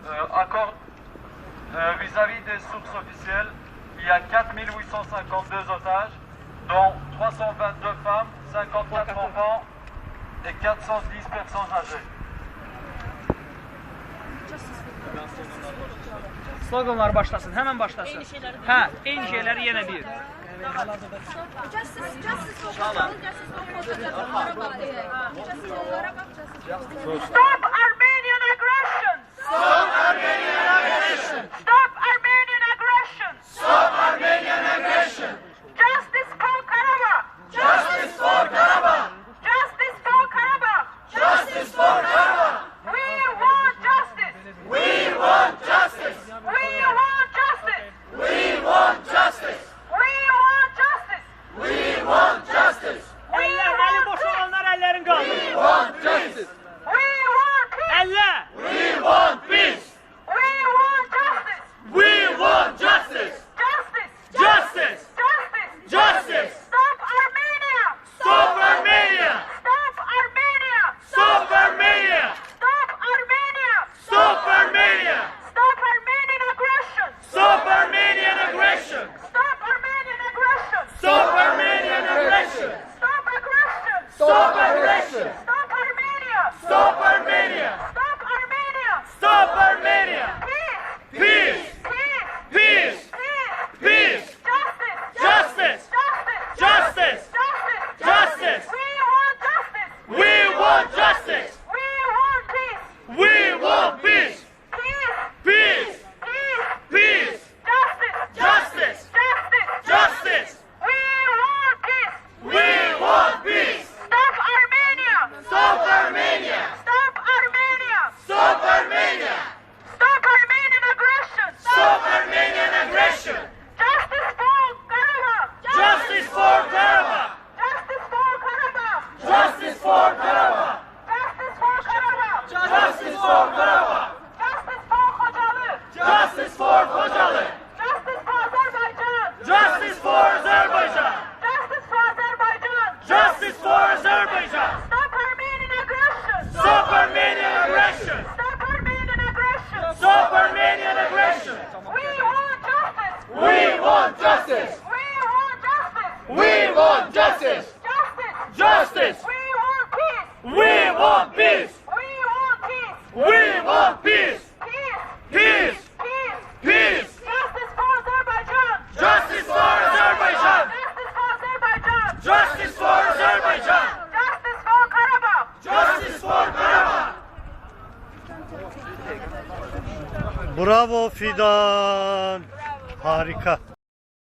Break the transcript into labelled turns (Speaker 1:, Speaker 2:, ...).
Speaker 1: accord vis-à-vis des sources officielles, il y a 4852 otages, dont 322 femmes, 54 enfants et 410 personnes âgées.
Speaker 2: Sloganlar başlasın, hemen başlasın. Ha, eyni şeyleri yine bir.
Speaker 3: Stop Armenian aggression!
Speaker 4: Stop Armenian aggression!
Speaker 3: Stop Armenian aggression!
Speaker 4: Stop Armenian aggression!
Speaker 3: Justice for Karabakh!
Speaker 4: Justice for Karabakh!
Speaker 3: Justice for Karabakh!
Speaker 4: Justice for Karabakh!
Speaker 3: We want justice!
Speaker 4: We want justice!
Speaker 3: We want justice!
Speaker 4: We want justice!
Speaker 3: We want justice!
Speaker 4: We want justice!
Speaker 2: Eli boş olanlar ellerini kaldır.
Speaker 4: We want justice!
Speaker 3: We want peace!
Speaker 2: Elle!
Speaker 4: We want peace!
Speaker 3: We want justice!
Speaker 4: We want justice!
Speaker 3: Justice!
Speaker 4: Justice!
Speaker 3: Justice!
Speaker 4: Justice!
Speaker 3: Stop Armenia!
Speaker 4: Stop Armenia!
Speaker 3: Stop Armenia!
Speaker 4: Stop Armenia!
Speaker 3: Stop Armenia!
Speaker 4: Stop Armenia!
Speaker 3: Stop Armenian aggression!
Speaker 4: Stop Armenian aggression!
Speaker 3: Stop Armenian aggression!
Speaker 4: Stop Armenian aggression!
Speaker 3: Stop aggression!
Speaker 4: Stop aggression!
Speaker 3: Stop Armenia!
Speaker 4: Stop Armenia!
Speaker 3: Stop Armenia!
Speaker 4: Stop Armenia!
Speaker 3: Peace!
Speaker 4: Peace!
Speaker 3: Peace!
Speaker 4: Peace!
Speaker 3: Peace!
Speaker 4: Peace!
Speaker 3: Justice!
Speaker 4: Justice!
Speaker 3: Justice!
Speaker 4: Justice!
Speaker 3: Justice!
Speaker 4: Justice!
Speaker 3: We want justice!
Speaker 4: We want justice!
Speaker 3: We want peace!
Speaker 4: We want peace!
Speaker 3: Peace!
Speaker 4: Peace!
Speaker 3: Peace!
Speaker 4: Peace!
Speaker 3: Justice!
Speaker 4: Justice!
Speaker 3: Justice!
Speaker 4: Justice!
Speaker 3: We want peace!
Speaker 4: We want peace!
Speaker 3: Stop Armenia!
Speaker 4: Stop Armenia!
Speaker 3: Stop Armenia!
Speaker 4: Stop Armenia!
Speaker 3: Stop Armenian aggression!
Speaker 4: Stop Armenian aggression!
Speaker 3: Justice for Karabakh!
Speaker 4: Justice for Karabakh!
Speaker 3: Justice for Karabakh!
Speaker 4: Justice for Karabakh!
Speaker 3: Justice for Karabakh!
Speaker 4: Justice for Karabakh!
Speaker 3: Justice for Khojalı!
Speaker 4: Justice for Khojalı!
Speaker 3: Justice for Azerbaijan!
Speaker 4: Justice for Azerbaijan!
Speaker 3: Justice for Azerbaijan!
Speaker 4: Justice for Azerbaijan!
Speaker 3: Stop Armenian aggression!
Speaker 4: Stop Armenian aggression!
Speaker 3: Stop Armenian aggression!
Speaker 4: Stop Armenian aggression!
Speaker 3: We want justice!
Speaker 4: We want justice!
Speaker 3: We want justice!
Speaker 4: We want justice!
Speaker 3: Justice!
Speaker 4: Justice!
Speaker 3: We want peace!
Speaker 4: We want peace!
Speaker 3: We want peace!
Speaker 4: We want peace!
Speaker 3: Peace!
Speaker 4: Peace!
Speaker 3: Peace!
Speaker 4: Peace!
Speaker 3: Justice for Azerbaijan!
Speaker 4: Justice for Azerbaijan!
Speaker 3: Justice for Azerbaijan!
Speaker 4: Justice for Azerbaijan!
Speaker 3: Justice for Karabakh!
Speaker 4: Justice for Karabakh!
Speaker 5: Bravo Fidan. Harika.